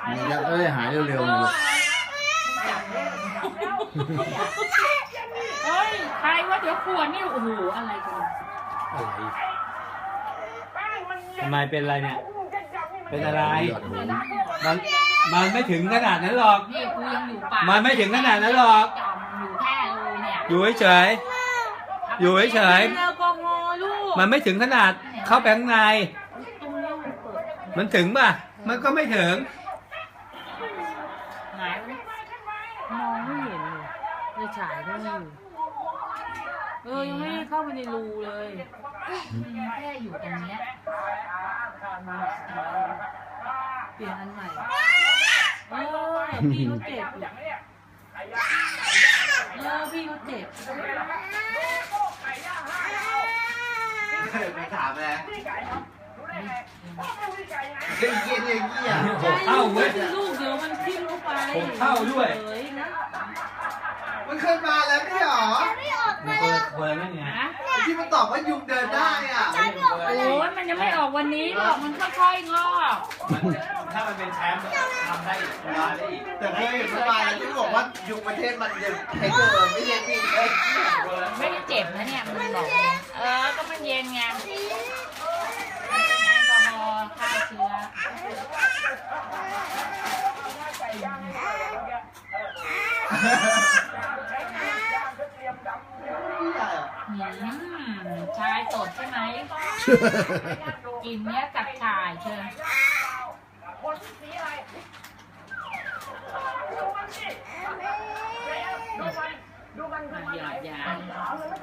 มันจะได้หายเร็วๆเลยเฮ้ยใครว่าเดี๋ยวขวดนี่โอ้โหอะไรกันอะไรทำไมเป็นอะไรเนี่ยเป็นอะไรมันไม่ถึงขนาดนั้นหรอกนี่กูยังอยู่ป่ามันไม่ถึงขนาดนั้นหรอกจอมอยู่แค่รูเนี่ยอยู่เฉยอยู่เฉยแอลกอฮอล์ลูกมันไม่ถึงขนาดเข้าไปข้างในตรงนี้มันเปิดมันถึงป่ะมันก็ไม่ถึงหายไปมองไม่เห็นเลยไปฉายก็ไม่อยู่ยังไม่ได้เข้าไปในรูเลยแค่อยู่ตรงเนี้ยเปลี่ยนอันใหม่พี่เขาเจ็บอยู่พี่เขาเจ็บไปถามเลยเฮ้ยเยี่ยเยี่ยเยี่ยผมเข้าเว้ยลูกเดี๋ยวมันทิ้งเข้าไปผมเข้าด้วยมันขึ้นมาแล้วไม่หรอมันเปิดนั่นไงที่มันตอบว่ายุงเดินได้อ่ะโอ้ยมันยังไม่ออกวันนี้หรอกมันค่อยๆงอกถ้ามันเป็นแชมป์ทำได้อีกได้อีกแต่เคยเห็นเมื่อวานที่บอกว่ายุงประเทศมันยังใช้เกินไม่ใช่ปีนเลยไม่ได้เจ็บนะเนี่ยมันบอกก็มันเย็นไงแอลกอฮอล์ฆ่าเชื้อชายสดใช่ไหมกินเนี้ยกับชายเชิญอย่า